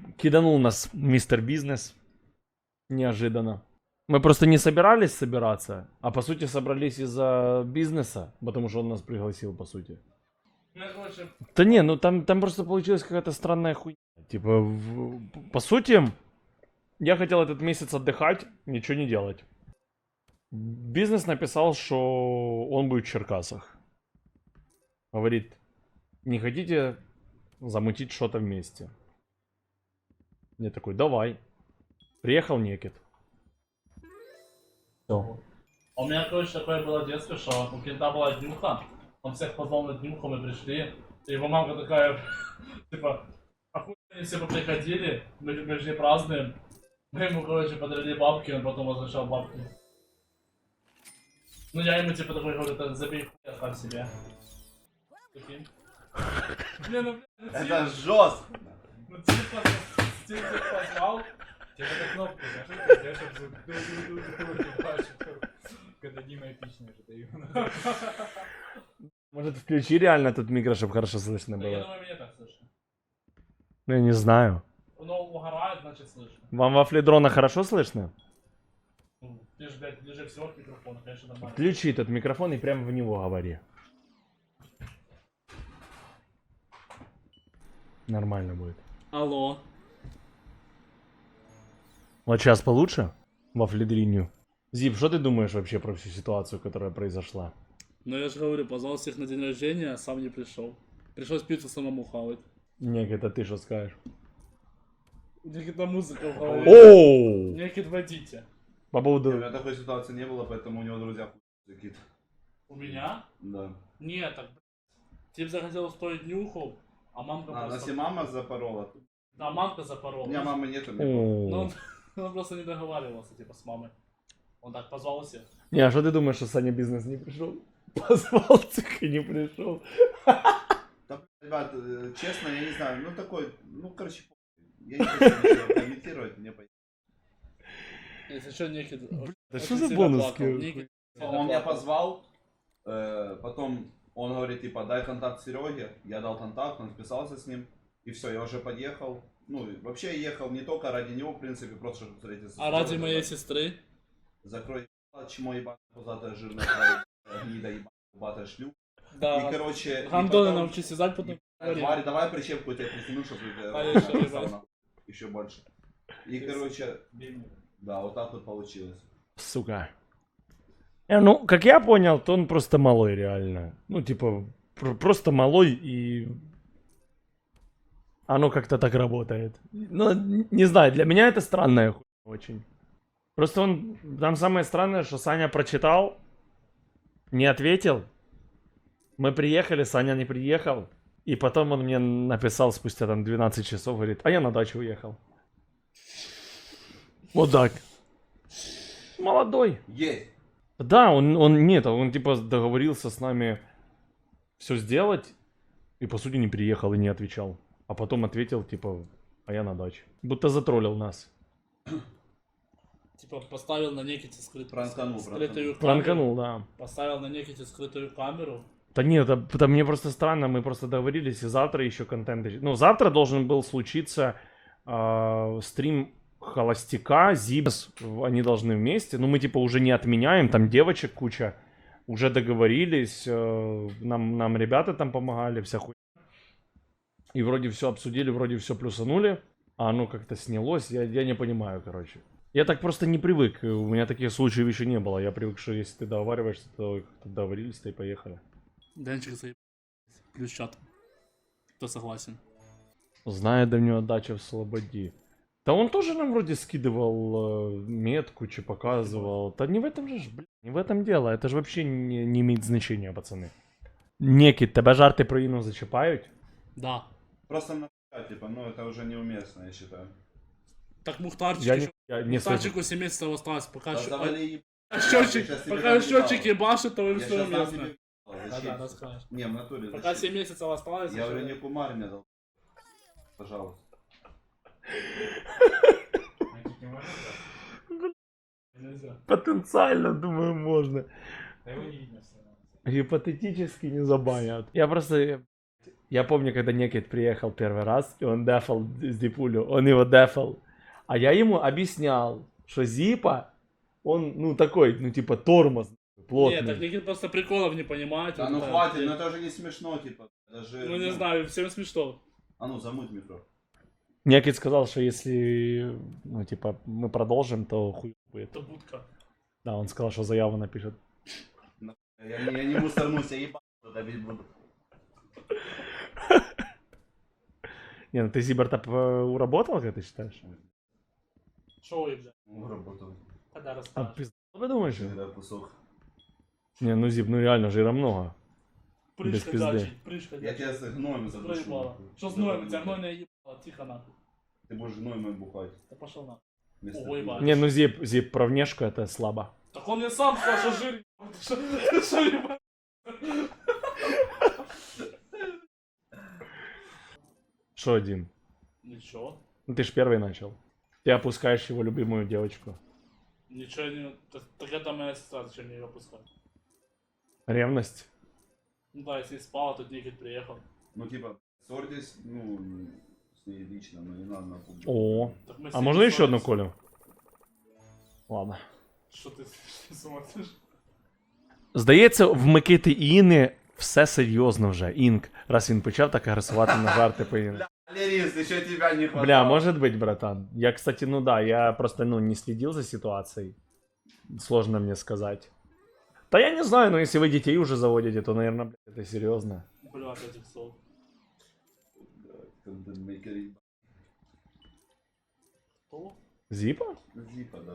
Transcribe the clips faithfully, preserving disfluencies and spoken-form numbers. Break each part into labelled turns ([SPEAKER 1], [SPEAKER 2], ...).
[SPEAKER 1] киданул нас мистер Бизнес. Неожиданно. Мы просто не собирались собираться, а по сути собрались из-за бизнеса, потому что он нас пригласил, по сути. Да не, ну там, там просто получилась какая-то странная хуйня. Типа, в, по сути, я хотел этот месяц отдыхать, ничего не делать. Бизнес написал, что он будет в Черкасах. Говорит, не хотите замутить что-то вместе? Я такой, давай. Приехал Некит. Все.
[SPEAKER 2] А у меня, короче, такое было детство, что у кента была днюха, он всех позвал на днюху, мы пришли, и его мамка такая, типа, охуенно они все приходили, мы, мы же не празднуем. Мы ему, короче, подарили бабки, он потом возвращал бабки. Ну я ему, типа, такой говорю, да забей хуй, оставь себе. Прикинь. Не, ну, блядь,
[SPEAKER 3] Это жестко.
[SPEAKER 2] ну типа, типа, позвал.
[SPEAKER 4] Тебе надо кнопку зажать, я сейчас ду-ду-ду-ду-ду, когда Дима эпичный же даю.
[SPEAKER 1] Может, включи реально этот микро, чтобы хорошо слышно
[SPEAKER 2] Да, я
[SPEAKER 1] было?
[SPEAKER 2] думаю, мне так слышно.
[SPEAKER 1] Ну, я не знаю.
[SPEAKER 2] Ну, угорает, значит, слышно.
[SPEAKER 1] Вам во фледрона хорошо слышно?
[SPEAKER 2] Ну, ты же, блядь, ближе всего к микрофону, конечно, нормально.
[SPEAKER 1] Включи этот микрофон и прямо в него говори. Нормально будет.
[SPEAKER 2] Алло.
[SPEAKER 1] Вот сейчас получше? Во фледриню. Зип, что ты думаешь вообще про всю ситуацию, которая произошла?
[SPEAKER 2] Ну я же говорю, позвал всех на день рождения, а сам не пришел. Пришлось пиццу самому хавать.
[SPEAKER 1] Нет, это ты что скажешь?
[SPEAKER 2] Некий-то музыка хавает.
[SPEAKER 1] Оу!
[SPEAKER 2] Некий водите.
[SPEAKER 1] По
[SPEAKER 3] У
[SPEAKER 1] поводу...
[SPEAKER 3] меня такой ситуации не было, поэтому у него друзья хуй какие-то.
[SPEAKER 2] У меня?
[SPEAKER 3] Да.
[SPEAKER 2] Нет, так, блядь. Тип захотел устроить нюху, а мамка
[SPEAKER 3] А,
[SPEAKER 2] просто...
[SPEAKER 3] если мама запорола, то...
[SPEAKER 2] Да, мамка запорола.
[SPEAKER 3] У меня мамы нету. мне
[SPEAKER 2] Ну,
[SPEAKER 1] Оу.
[SPEAKER 2] он, он просто не договаривался, типа, с мамой. Он так позвал всех.
[SPEAKER 1] Не, а что ты думаешь, что Саня Бизнес не пришел? Позвал, так и не пришел.
[SPEAKER 3] Да, ребят, э, честно, я не знаю, ну такой, ну короче, я не хочу ничего комментировать, мне понятно.
[SPEAKER 2] Если что, некий...
[SPEAKER 1] Да что за бонуски?
[SPEAKER 3] Он меня позвал, э, потом он говорит, типа, дай контакт Сереге, я дал контакт, он списался с ним, и все, я уже подъехал. Ну, и вообще я ехал не только ради него, в принципе, просто чтобы встретиться с
[SPEAKER 2] А ради
[SPEAKER 3] Серегой,
[SPEAKER 2] моей
[SPEAKER 3] да.
[SPEAKER 2] сестры?
[SPEAKER 3] Закрой ебало, чмо ебать, пузатая жирная тварь, гнида ебать, ебатая шлюп.
[SPEAKER 2] Да.
[SPEAKER 3] И, короче, и
[SPEAKER 2] Гандоны
[SPEAKER 3] потом-
[SPEAKER 2] научись вязать, потом говорим.
[SPEAKER 3] Тварь, давай прищепку тебе притяну, чтобы
[SPEAKER 2] А, еще,
[SPEAKER 3] ты
[SPEAKER 2] ебать.
[SPEAKER 3] еще больше. И, короче, да, вот так вот получилось.
[SPEAKER 1] Сука. Э, ну, как я понял, то он просто малой реально. Ну, типа, пр- просто малой и... Оно как-то так работает. Ну, н- не знаю, для меня это странная хуйня очень. Просто он... Там самое странное, что Саня прочитал, не ответил. Мы приехали, Саня не приехал. И потом он мне написал спустя там двенадцать часов, говорит, а я на дачу уехал. Вот так. Молодой.
[SPEAKER 3] Есть!
[SPEAKER 1] Да, он, он нет, он типа договорился с нами все сделать и по сути не приехал и не отвечал. А потом ответил типа, а я на даче. Будто затроллил нас.
[SPEAKER 2] Типа поставил на Неките скрытую,
[SPEAKER 3] Пранканул,
[SPEAKER 2] скрытую камеру.
[SPEAKER 1] Пранканул, да.
[SPEAKER 2] Поставил на Неките скрытую камеру.
[SPEAKER 1] Да нет, это, это мне просто странно, мы просто договорились, и завтра еще контент... Ну, завтра должен был случиться э, стрим Холостяка, Зибс, они должны вместе, но мы типа уже не отменяем, там девочек куча, уже договорились, э, нам, нам ребята там помогали, вся хуйня. И вроде все обсудили, вроде все плюсанули, а оно как-то снялось, я, я не понимаю, короче. Я так просто не привык, у меня таких случаев еще не было, я привык, что если ты договариваешься, то как-то договорились-то и поехали.
[SPEAKER 2] Денчик заеб... Плюс чат. Кто согласен?
[SPEAKER 1] Зная давнюю дачу в Слободе. Да он тоже нам вроде скидывал э, метку, че показывал. Да не в этом же, ж, блин, не в этом дело. Это же вообще не, не имеет значения, пацаны. Некіт, тебе жарти про Іну зачіпають?
[SPEAKER 2] Да.
[SPEAKER 3] Просто на типа, ну это уже неуместно, я считаю.
[SPEAKER 2] Так Мухтарчик
[SPEAKER 1] Я
[SPEAKER 2] еще...
[SPEAKER 1] не, я не
[SPEAKER 2] Мухтарчику семь месяцев осталось, пока...
[SPEAKER 3] Да
[SPEAKER 2] щ-
[SPEAKER 3] завали
[SPEAKER 2] а счетчик,
[SPEAKER 3] Сейчас тебе
[SPEAKER 2] пока
[SPEAKER 3] дам
[SPEAKER 2] счетчик
[SPEAKER 3] ебало.
[SPEAKER 2] ебашит, то им
[SPEAKER 3] Я
[SPEAKER 2] все
[SPEAKER 3] сейчас дам
[SPEAKER 2] уместно.
[SPEAKER 3] тебе ебало,
[SPEAKER 2] Да,
[SPEAKER 3] зачем?
[SPEAKER 2] да, расскажешь.
[SPEAKER 3] Не, в натуре,
[SPEAKER 2] Пока
[SPEAKER 3] зачем?
[SPEAKER 2] семь месяцев осталось...
[SPEAKER 3] Я
[SPEAKER 2] еще-
[SPEAKER 3] говорю, не кумар мне дал. Пожалуйста.
[SPEAKER 2] Нельзя.
[SPEAKER 1] Потенциально, думаю, можно.
[SPEAKER 4] Да его не видно все равно.
[SPEAKER 1] Гипотетически не забанят. Я просто... Я помню, когда Некит приехал первый раз, и он дефал Зипулю, он его дефал. А я ему объяснял, что Зипа, он, ну, такой, ну, типа, тормоз, плотный.
[SPEAKER 2] Нет, так Никит просто приколов не понимает.
[SPEAKER 3] Да
[SPEAKER 2] вот
[SPEAKER 3] ну
[SPEAKER 2] это,
[SPEAKER 3] хватит,
[SPEAKER 2] и-
[SPEAKER 3] ну это же не смешно, типа. Даже,
[SPEAKER 2] Ну не знаю, всем смешно.
[SPEAKER 3] А ну, замыть микро.
[SPEAKER 1] Некит сказал, что если, ну, типа, мы продолжим, то хуй будет.
[SPEAKER 2] Это будка.
[SPEAKER 1] Да, он сказал, что заяву напишет.
[SPEAKER 3] Я, не- я не мусорнусь, я ебать давить буду.
[SPEAKER 1] Не, ну ты Зиберта п- уработал, как ты считаешь?
[SPEAKER 2] Шоу, блядь.
[SPEAKER 3] Ну, работал.
[SPEAKER 2] Когда
[SPEAKER 1] А
[SPEAKER 2] расскажешь.
[SPEAKER 1] пизда, вы думаешь?
[SPEAKER 3] Когда кусок.
[SPEAKER 1] Не, ну Зиб, ну реально жира много. без
[SPEAKER 2] Прыжка
[SPEAKER 1] пизды.
[SPEAKER 2] дачить, прыжка
[SPEAKER 3] Я
[SPEAKER 2] дачить.
[SPEAKER 3] тебя с гноем задушу.
[SPEAKER 2] Проебало. Что с гноем? У тебя гнойная ебало, тихо нахуй.
[SPEAKER 3] Ты будешь гноем и бухать.
[SPEAKER 2] Да пошел нахуй.
[SPEAKER 3] Вместо
[SPEAKER 2] Ой,
[SPEAKER 3] пива.
[SPEAKER 2] ебать.
[SPEAKER 1] Не, ну Зип, Зип, про внешку это слабо.
[SPEAKER 2] Так он мне сам сказал, что жир. Ты шо- ты шо, ебать?
[SPEAKER 1] Что один?
[SPEAKER 2] Ничего.
[SPEAKER 1] Ну ты ж первый начал. Ты опускаешь его любимую девочку.
[SPEAKER 2] Ничего не... Так, так это моя сестра, зачем мне ее опускать?
[SPEAKER 1] Ревность.
[SPEAKER 2] Ну да, если спала, тут Никит приехал.
[SPEAKER 3] Ну типа, ссорьтесь, ну, с ней лично, но не надо на публику.
[SPEAKER 1] О,
[SPEAKER 2] Так мы с
[SPEAKER 1] а
[SPEAKER 2] ней
[SPEAKER 1] можно еще одну
[SPEAKER 2] ссорились.
[SPEAKER 1] Колю? Ладно.
[SPEAKER 2] Що ти смотриш?
[SPEAKER 1] Здається, в Микити і Іни все серйозно вже. Інк, раз він почав так агресувати на жарти по Іни.
[SPEAKER 3] Лерис, еще тебя не хватало.
[SPEAKER 1] Бля, может быть, братан. Я, кстати, ну да, я просто, ну, не следил за ситуацией. Сложно мне сказать. Да я не знаю, но если вы детей уже заводите, то, наверное, блядь, это серьезно.
[SPEAKER 2] Блядь, этих слов.
[SPEAKER 3] Контент-мейкер.
[SPEAKER 2] Кто?
[SPEAKER 1] Зипа?
[SPEAKER 3] Зипа, да.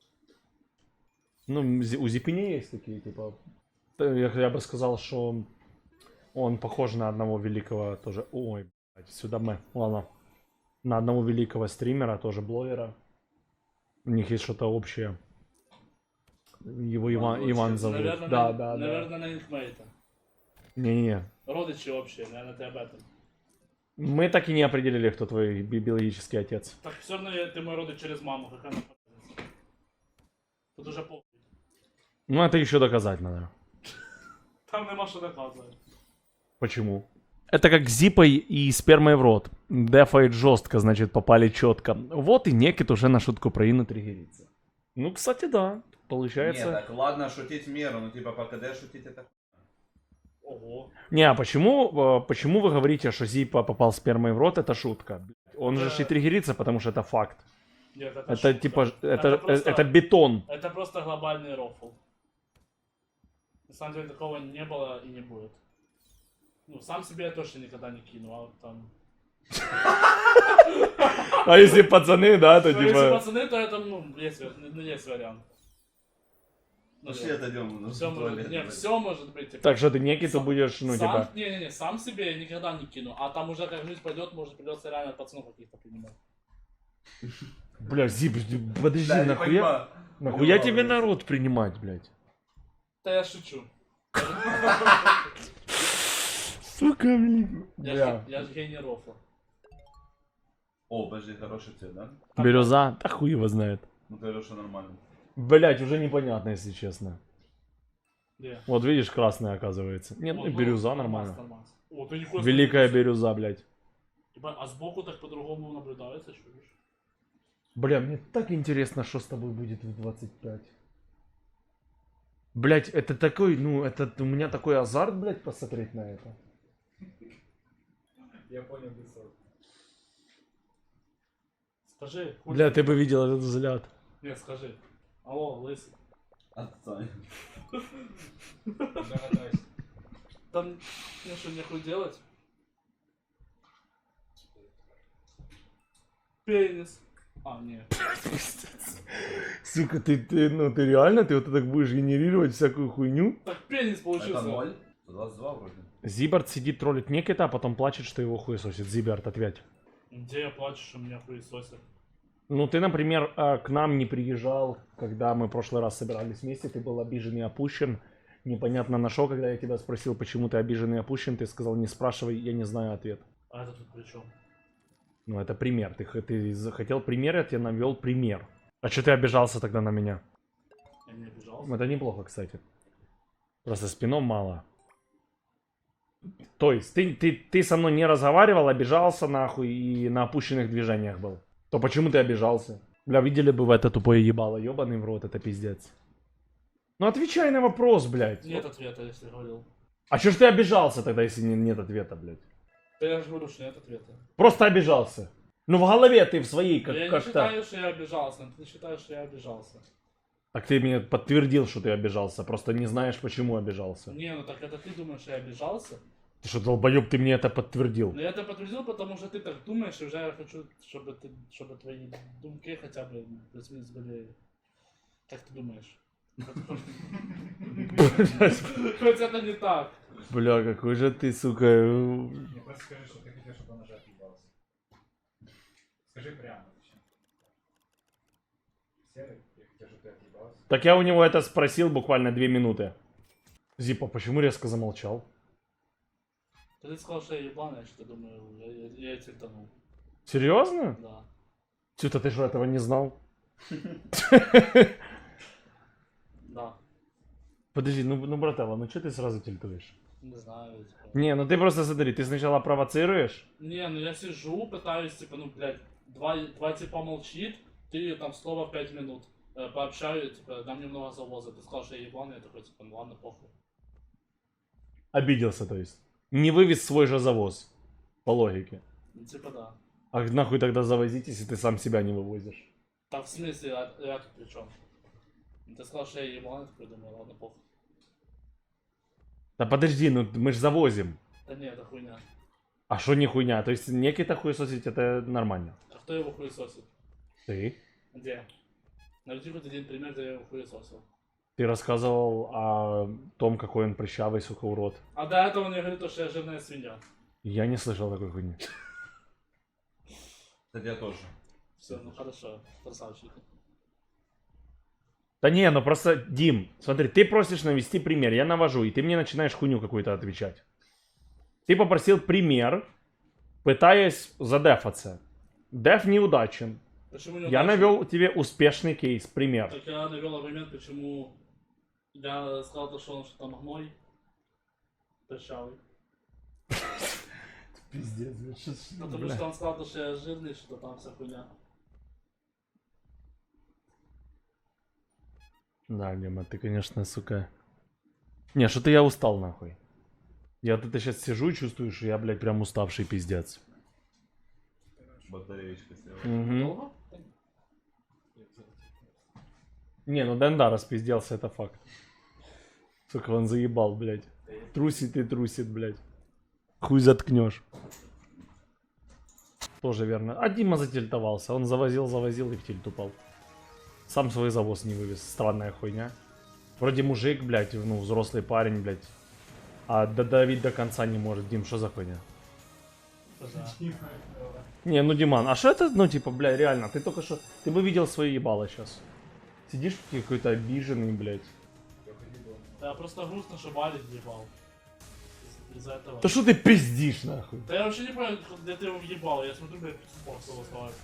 [SPEAKER 1] Ну, зи- у Зипини есть такие, типа... Т- Я, я бы сказал, что он похож на одного великого тоже... Ой, блядь, сюда мы. Ладно. На одного великого стримера, тоже блогера. У них есть что-то общее. Его Иван,
[SPEAKER 3] Иван
[SPEAKER 1] Иван
[SPEAKER 3] Лучший.
[SPEAKER 1] зовут.
[SPEAKER 2] Наверное,
[SPEAKER 1] да,
[SPEAKER 2] на,
[SPEAKER 1] да, да.
[SPEAKER 2] наверное, на инкмейта.
[SPEAKER 1] Не-не-не.
[SPEAKER 2] Родичи общие, наверное, ты об этом.
[SPEAKER 1] Мы так и не определили, кто твой би- биологический отец.
[SPEAKER 2] Так все равно я- ты мой родич через маму, какая нахуй разница? Тут уже похуй.
[SPEAKER 1] Ну, это еще доказать надо.
[SPEAKER 2] Там нема що доказувати.
[SPEAKER 1] Почему? Это как зипой и спермой в рот. Дефает жестко, значит, попали четко. Вот и Некит уже на шутку про Ину триггерится. Ну, кстати, да. Получается...
[SPEAKER 3] Не, так ладно шутить в меру, но типа по КД шутить это...
[SPEAKER 2] Ого.
[SPEAKER 1] Не, а почему, э, почему вы говорите, что Зипа попал спермой в рот? Это шутка. Блядь, Он же ж и триггерится, потому что это факт.
[SPEAKER 2] Нет, это,
[SPEAKER 1] Это
[SPEAKER 2] шутка.
[SPEAKER 1] типа, ж- это,
[SPEAKER 2] Это
[SPEAKER 1] э,
[SPEAKER 2] просто-
[SPEAKER 1] это бетон.
[SPEAKER 2] Это просто глобальный рофл. На самом деле такого не было и не будет. Ну, сам себе я точно никогда не кину, а вот там...
[SPEAKER 1] А если пацаны, да, то
[SPEAKER 2] Ну, если
[SPEAKER 1] типа...
[SPEAKER 2] пацаны, то это, ну, есть, ва- ну, есть вариант. Ну,
[SPEAKER 3] Пошли отойдем. на
[SPEAKER 2] все может,
[SPEAKER 3] туалет,
[SPEAKER 2] не,
[SPEAKER 3] блядь.
[SPEAKER 2] все может быть. типа.
[SPEAKER 1] Так что ты Некиту
[SPEAKER 2] Сам-
[SPEAKER 1] будешь, ну,
[SPEAKER 2] сам,
[SPEAKER 1] типа...
[SPEAKER 2] Не-не-не, сам себе я никогда не кину. А там уже как жизнь пойдет, может придется реально пацанов каких-то принимать.
[SPEAKER 1] Бля, Зип, подожди,
[SPEAKER 3] Да, я не
[SPEAKER 1] нахуя...
[SPEAKER 3] понимаю.
[SPEAKER 1] Нахуя
[SPEAKER 3] Ну,
[SPEAKER 1] тебе
[SPEAKER 3] ладно.
[SPEAKER 1] народ принимать, блядь?
[SPEAKER 2] Да я шучу.
[SPEAKER 1] Сука, блядь.
[SPEAKER 2] Я,
[SPEAKER 1] Бля.
[SPEAKER 2] ж- я же гений рофла.
[SPEAKER 3] О, подожди, хороший цвет, да?
[SPEAKER 1] Бирюза? Да хуй его знает.
[SPEAKER 3] Ну ты говоришь, что нормально.
[SPEAKER 1] Блять, уже непонятно, если честно.
[SPEAKER 2] Где?
[SPEAKER 1] Вот видишь, красная оказывается. Нет,
[SPEAKER 2] О,
[SPEAKER 1] ну,
[SPEAKER 2] ну,
[SPEAKER 1] бирюза
[SPEAKER 2] нормас,
[SPEAKER 1] нормально.
[SPEAKER 2] нормас. О, ты нихуя
[SPEAKER 1] Великая
[SPEAKER 2] смотри,
[SPEAKER 1] бирюза, блядь.
[SPEAKER 2] Ебать, а сбоку так по-другому наблюдается, что видишь?
[SPEAKER 1] Бля, мне так интересно, что с тобой будет в двадцать пять. Блять, это такой, ну, это у меня такой азарт, блять, посмотреть на это.
[SPEAKER 4] Я понял бесов.
[SPEAKER 2] Скажи. хуй
[SPEAKER 1] Бля,
[SPEAKER 2] ты-
[SPEAKER 1] ты бы видел этот взгляд.
[SPEAKER 2] Нет, скажи. Алло, лысый.
[SPEAKER 3] Отстань.
[SPEAKER 4] Догадайся.
[SPEAKER 2] Там мне что, нехуй делать? Пенис. А, нет.
[SPEAKER 1] Сука, ты, ты, ну, ты реально, ты вот так будешь генерировать всякую хуйню?
[SPEAKER 2] Так пенис получился.
[SPEAKER 3] Это ноль? двадцать два вроде.
[SPEAKER 1] Зибард сидит, троллит Некита, а потом плачет, что его хуесосит. Зибард, ответь.
[SPEAKER 2] Где я плачу, что меня хуесосят?
[SPEAKER 1] Ну, ты, например, э, к нам не приезжал, когда мы в прошлый раз собирались вместе, ты был обижен и опущен. Непонятно на что, когда я тебя спросил, почему ты обижен и опущен, ты сказал, не спрашивай, я не знаю ответ.
[SPEAKER 2] А это тут при чем?
[SPEAKER 1] Ну, это пример. Ты, х- ты захотел пример, я тебе навел пример. А что ты обижался тогда на меня?
[SPEAKER 2] Я не обижался.
[SPEAKER 1] Это неплохо, кстати. Просто спином мало. То есть ты, ты, ты со мной не разговаривал, обижался нахуй и на опущенных движениях был. То почему ты обижался? Бля, видели бы вы это тупое ебало, ебаный в рот, это пиздец. Ну отвечай на вопрос, блядь.
[SPEAKER 2] Нет ответа, если говорил.
[SPEAKER 1] А чё ж ты обижался тогда, если не- нет ответа, блядь?
[SPEAKER 2] Да я же говорю, что нет ответа.
[SPEAKER 1] Просто обижался. Ну в голове ты в своей как,
[SPEAKER 2] я не
[SPEAKER 1] как-то...
[SPEAKER 2] считаю, что я обижался, но ты считаешь, что я обижался.
[SPEAKER 1] Так ты мне подтвердил, что ты обижался, просто не знаешь, почему обижался.
[SPEAKER 2] Не, ну так это ты думаешь, что я обижался?
[SPEAKER 1] Ты что, долбоёб, ты мне это подтвердил.
[SPEAKER 2] Но я это подтвердил, потому что ты так думаешь, и уже я хочу, чтобы, ты, чтобы твои думки хотя бы плюс-минус были... Как ты думаешь? Хоть это не так.
[SPEAKER 1] Бля, какой же ты, сука...
[SPEAKER 4] Не, просто скажи, что ты хотел, чтобы он уже отъебался. Скажи прямо. зачем? Серый, я хотел, чтобы ты отъебался.
[SPEAKER 1] Так я у него это спросил буквально две минуты. Зипа, почему резко замолчал?
[SPEAKER 2] Ты сказал, что я ебаный, что думаю, я, я, я тильтанул.
[SPEAKER 1] Серьезно?
[SPEAKER 2] Да.
[SPEAKER 1] Чё-то ты что, этого не знал?
[SPEAKER 2] Да.
[SPEAKER 1] Подожди, ну, ну братава, ну что ты сразу тильтуешь?
[SPEAKER 2] Не знаю, типа.
[SPEAKER 1] Не, ну ты просто смотри, ты сначала провоцируешь.
[SPEAKER 2] Не, ну я сижу, пытаюсь, типа, ну, блядь, два, два типа молчит, ты там слово пять минут. Э, пообщаю, типа, дам немного завоза. Ты сказал, что я ебаный, я такой, типа, ну ладно, похуй.
[SPEAKER 1] Обиделся, то есть. Не вывез свой же завоз. По логике.
[SPEAKER 2] Ну, типа, да.
[SPEAKER 1] А нахуй тогда завозить, если ты сам себя не вывозишь?
[SPEAKER 2] Так, в смысле, а я тут при чем? Ты сказал, что я ебаный, такой, думаю, ладно, похуй.
[SPEAKER 1] Да подожди, ну мы ж завозим.
[SPEAKER 2] Да не, это хуйня.
[SPEAKER 1] А что не хуйня? То есть некий-то хуесосить это нормально.
[SPEAKER 2] А кто его хуесосит?
[SPEAKER 1] Ты?
[SPEAKER 2] Где? Найди хоть один пример, где я его хуесосил.
[SPEAKER 1] Ты рассказывал о том, какой он прыщавый, сука, урод.
[SPEAKER 2] А до этого он мне говорит, что я жирная свинья.
[SPEAKER 1] Я не слышал такой хуйни.
[SPEAKER 3] Кстати, я тоже.
[SPEAKER 2] Все, ну хорошо, красавчик.
[SPEAKER 1] Да не, ну просто, Дим, смотри, ты просишь навести пример, я навожу, и ты мне начинаешь хуйню какую-то отвечать. Ты попросил пример, пытаясь задефаться. Деф неудачен.
[SPEAKER 2] Почему не
[SPEAKER 1] Я
[SPEAKER 2] удачно?
[SPEAKER 1] навел тебе успешный кейс, пример.
[SPEAKER 2] Так я навел аргумент, почему я сказал, то, что он что там гной. Прыщавый.
[SPEAKER 1] Пиздец,
[SPEAKER 2] Потому что он сказал, то, что я жирный, что там вся хуйня.
[SPEAKER 1] Да, Дима, ты, конечно, сука. Не, что-то я устал, нахуй. Я тут сейчас сижу и чувствую, что я, блядь, прям уставший пиздец.
[SPEAKER 3] Батареечка села.
[SPEAKER 1] Мгм.
[SPEAKER 2] Долго?
[SPEAKER 1] Не, ну Дэн, да, распизделся, это факт. Сука, он заебал, блядь. Трусит и трусит, блядь. Хуй заткнешь. Тоже верно. А Дима затильтовался. Он завозил, завозил и в тильт упал. Сам свой завоз не вывез. Странная хуйня. Вроде мужик, блядь, ну, взрослый парень, блядь. А додавить до конца не может. Дим, что за хуйня?
[SPEAKER 2] Да.
[SPEAKER 1] Не, ну, Диман, а что это, ну, типа, бля, реально, ты только что... Ты бы видел свое ебало сейчас. Сидишь какой-то обиженный, блядь.
[SPEAKER 2] Да, просто грустно, что Валик ебал. Из- Из-за этого.
[SPEAKER 1] Да что ты пиздишь, нахуй?
[SPEAKER 2] Да я вообще не понял, где ты его въебал. Я смотрю, блядь, спорт его